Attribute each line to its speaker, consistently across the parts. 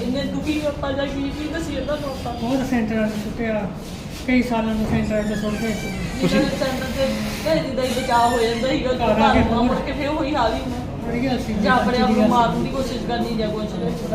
Speaker 1: ਇੰਨੇ ਦੁਖੀ ਆਪਾਂ ਜਾਂ ਕੀ ਦੱਸੀ ਇਹਨਾਂ ਨੂੰ ਆਪਾਂ
Speaker 2: ਬਹੁਤ ਸੈਂਟਰਾਂ 'ਚ ਸੁੱਟਿਆ, ਕਈ ਸਾਲਾਂ ਤੋਂ ਸੈਂਟਰਾਂ 'ਚ ਸੁੱਟ ਗਏ ਸੀ।
Speaker 1: ਤੁਸੀਂ ਸੈਂਟਰ ਤੇ ਘਰ ਦੀ ਦਾ ਹੀ ਬਚਾਅ ਹੋ ਜਾਂਦਾ ਸੀਗਾ ਘਰ ਆਉਣਾ ਮੁੜ ਕੇ ਫਿਰ ਉਹੀ ਹਾਲ ਹੀ ਹੋਣਾ
Speaker 2: ਵਧੀਆ ਸੀ
Speaker 1: ਜਾਂ ਆਪਣੇ ਆਪ ਨੂੰ ਮਾਰਨ ਦੀ ਕੋਸ਼ਿਸ਼ ਕਰਨੀ ਜਾਂ ਕੁਛ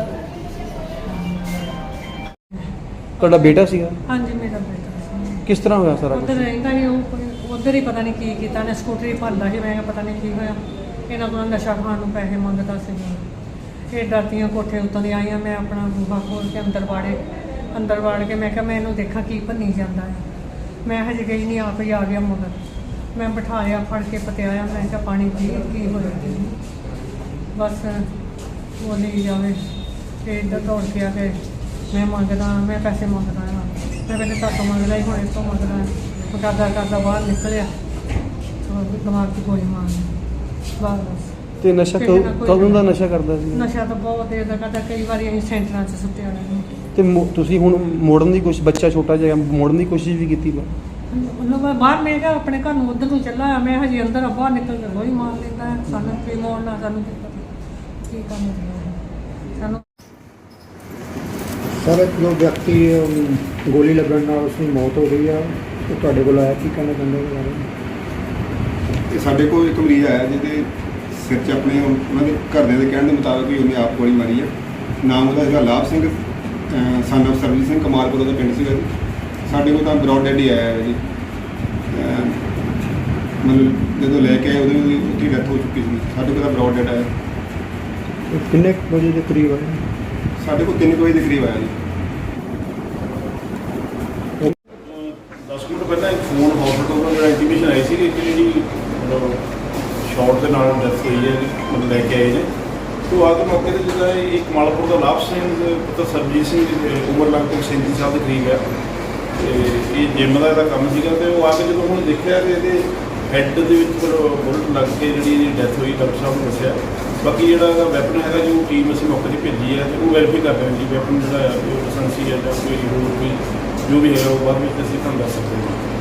Speaker 3: ਤੁਹਾਡਾ ਬੇਟਾ ਸੀਗਾ?
Speaker 2: ਹਾਂਜੀ ਮੇਰਾ ਬੇਟਾ ਸੀ।
Speaker 3: ਕਿਸ ਤਰ੍ਹਾਂ ਹੋਇਆ ਸਾਰਾ
Speaker 2: ਉੱਧਰ ਰਹਿੰਦਾ ਸੀ ਉਹ, ਉੱਧਰ ਹੀ ਪਤਾ ਨਹੀਂ ਕੀ ਕੀਤਾ ਨੇ, ਸਕੂਟਰੀ ਭਰਦਾ ਸੀ। ਮੈਂ ਕਿਹਾ ਪਤਾ ਨਹੀਂ ਕੀ ਹੋਇਆ, ਇਹਨਾਂ ਕੋਲ ਨਸ਼ਾ ਖਾਣ ਨੂੰ ਪੈਸੇ ਮੰਗਦਾ ਸੀਗਾ। ਇਹ ਡਰਦੀਆਂ ਕੋਠੇ ਉੱਤੋਂ ਦੀ ਆਈਆਂ, ਮੈਂ ਆਪਣਾ ਬੂਹਾ ਖੋਲ੍ਹ ਕੇ ਅੰਦਰ ਵਾੜ ਕੇ ਮੈਂ ਕਿਹਾ ਮੈਂ ਇਹਨੂੰ ਦੇਖਾਂ ਕੀ ਭੰਨੀ ਜਾਂਦਾ ਹੈ। ਮੈਂ ਹਜੇ ਗਈ ਨਹੀਂ, ਆਪ ਹੀ ਆ ਗਿਆ ਮਗਰ। ਮੈਂ ਬਿਠਾਇਆ, ਫੜ ਕੇ ਪਤਿਆਇਆ, ਮੈਂ ਕਿਹਾ ਪਾਣੀ ਪੀ, ਕੀ ਹੋਇਆ ਜੀ ਬਸ ਬੋਲੀ ਜਾਵੇ। ਤੇ ਇੱਧਰ ਦੌੜ ਕੇ ਆ ਕੇ ਮੈਂ ਪੈਸੇ ਮੰਗਦਾ ਹਾਂ। ਮੈਂ ਪਹਿਲੇ ਘਰ ਤੋਂ ਮੰਗਦਾ ਹੀ, ਹੁਣ ਇਸ ਤੋਂ ਮੰਗਦਾ। ਕਰਦਾ ਬਾਹਰ ਨਿਕਲਿਆ, ਦਿਮਾਗ 'ਚ ਗੋਲੀ ਮਾਰਨੀ ਬਸ।
Speaker 3: ਤੇ ਨਸ਼ਾ ਕਦੋਂ ਦਾ ਨਸ਼ਾ ਕਰਦਾ ਸੀ?
Speaker 2: ਨਸ਼ਾ ਤਾਂ ਬਹੁਤ ਦੇਰ ਦਾ ਕਰਦਾ, ਕਈ ਵਾਰੀ ਅਸੀਂ ਸੈਂਟਰਾਂ 'ਚ ਸੁੱਟਿਆ ਰਹਿੰਦੇ।
Speaker 3: ਤੇ ਤੁਸੀਂ ਹੁਣ ਮੋੜਨ ਦੀ ਕੋਸ਼ਿਸ਼, ਬੱਚਾ ਛੋਟਾ ਜਿਹਾ ਮੋੜਨ ਦੀ ਕੋਸ਼ਿਸ਼ ਵੀ ਕੀਤੀ?
Speaker 2: ਮਤਲਬ ਮੈਂ ਬਾਹਰ, ਮੈਂ ਕਿਹਾ ਆਪਣੇ ਘਰ ਨੂੰ ਉੱਧਰ ਨੂੰ ਚੱਲਾ ਆ, ਮੈਂ ਹਜੇ ਅੰਦਰ ਬਾਹਰ ਨਿਕਲ ਕੇ ਗੋਲੀ ਮਾਰ ਲੈਂਦਾ। ਸਾਨੂੰ ਕੀ ਮੋੜਨਾ, ਸਾਨੂੰ ਕੀ ਕੰਮ ਸਾਨੂੰ।
Speaker 4: ਸਰ ਜੋ ਵਿਅਕਤੀ ਗੋਲੀ ਲੱਗਣ ਨਾਲ ਉਸਦੀ ਮੌਤ ਹੋ ਗਈ ਆ, ਉਹ ਤੁਹਾਡੇ ਕੋਲ ਆਇਆ, ਕੀ ਕਹਿਣਾ ਚਾਹੁੰਦੇ ਹੋ ਬਾਰੇ?
Speaker 5: ਇਹ ਸਾਡੇ ਕੋਲ ਇੱਕ ਮਰੀਜ਼ ਆਇਆ ਜਿਹਦੇ ਸਿਰ 'ਚ ਆਪਣੇ ਉਹਨਾਂ ਦੇ ਘਰਦਿਆਂ ਦੇ ਕਹਿਣ ਦੇ ਮੁਤਾਬਕ ਵੀ ਉਹਨੇ ਆਪ ਗੋਲੀ ਮਾਰੀ ਆ। ਨਾਮ ਉਹਦਾ ਹੈਗਾ ਲਾਭ ਸਿੰਘ, ਸਨ ਆਫ ਸਰਬਜੀਤ ਸਿੰਘ, ਕਮਾਲਪੁਰ ਦਾ ਪਿੰਡ ਸੀਗਾ ਜੀ। ਸਾਡੇ ਕੋਲ ਤਾਂ ਬਰੌਡ ਡੈਡ ਹੀ ਆਇਆ ਹੈ ਜੀ। ਮਤਲਬ ਜਦੋਂ ਲੈ ਕੇ ਆਏ ਉਦੋਂ ਵੀ ਉੱਥੇ ਡੈਥ ਹੋ ਚੁੱਕੀ ਸੀ। ਸਾਡੇ ਕੋਲ ਤਾਂ ਬਰੌਡ ਡੈਡ ਆਇਆ।
Speaker 4: ਕਿੰਨੇ ਵਜੇ ਦੇ ਕਰੀਬ ਆਏ?
Speaker 5: ਸਾਡੇ ਕੋਲ 3 ਵਜੇ ਦੇ ਕਰੀਬ ਆਇਆ ਜੀ।
Speaker 6: 10 ਮਿੰਟ ਪਹਿਲਾਂ ਇੱਕ ਫੋਨ ਹਸਪੀਟਲ ਤੋਂ ਜਿਹੜਾ ਇੰਟੀਮੇਸ਼ਨ ਆਈ ਸੀ ਕਿ ਜਿਹੜੀ ਮਤਲਬ ਸ਼ਾਰਟ ਦੇ ਨਾਲ ਡੈਥ ਹੋਈ ਹੈ, ਮਤਲਬ ਲੈ ਕੇ ਆਏ ਨੇ। ਤੋਂ ਆ ਕੇ ਮੌਕੇ 'ਤੇ ਜਿਹੜਾ ਇਹ ਕਮਾਲਪੁਰ ਦਾ ਲਾਭ ਸਿੰਘ ਪੁੱਤਰ ਸਰਬਜੀਤ ਸਿੰਘ ਉਮਰ ਲਗਭਗ 37 ਸਾਲ ਦੇ ਕਰੀਬ ਹੈ। ਤੇ ਇਹ ਜਿੰਮ ਦਾ ਇਹਦਾ ਕੰਮ ਸੀਗਾ। ਤੇ ਉਹ ਆ ਕੇ ਜਦੋਂ ਹੁਣ ਦੇਖਿਆ ਕਿ ਇਹਦੇ ਹੈੱਡ ਦੇ ਵਿੱਚ ਬੁਲਟ ਲੱਗ ਕੇ ਜਿਹੜੀ ਇਹਦੀ ਡੈਥ ਹੋਈ, ਡਾਕਟਰ ਸਾਹਿਬ ਨੇ ਦੱਸਿਆ। ਬਾਕੀ ਜਿਹੜਾ ਇਹਦਾ ਵੈਪਨ ਹੈਗਾ ਜੀ, ਉਹ ਟੀਮ ਅਸੀਂ ਮੌਕੇ 'ਤੇ ਭੇਜੀ ਹੈ ਤੇ ਉਹ ਵੈਰੀਫਾਈ ਕਰ ਰਹੇ ਹਾਂ ਜੀ ਵੈਪਨ ਜਿਹੜਾ ਹੈ ਉਹ ਲਾਇਸੈਂਸੀ ਹੈ ਜਾਂ ਕੋਈ ਹੋਰ ਕੋਈ ਜੋ ਵੀ ਹੈਗਾ ਉਹ ਬਾਅਦ ਵਿੱਚ ਅਸੀਂ ਤੁਹਾਨੂੰ ਦੱਸ ਸਕਦੇ ਹਾਂ।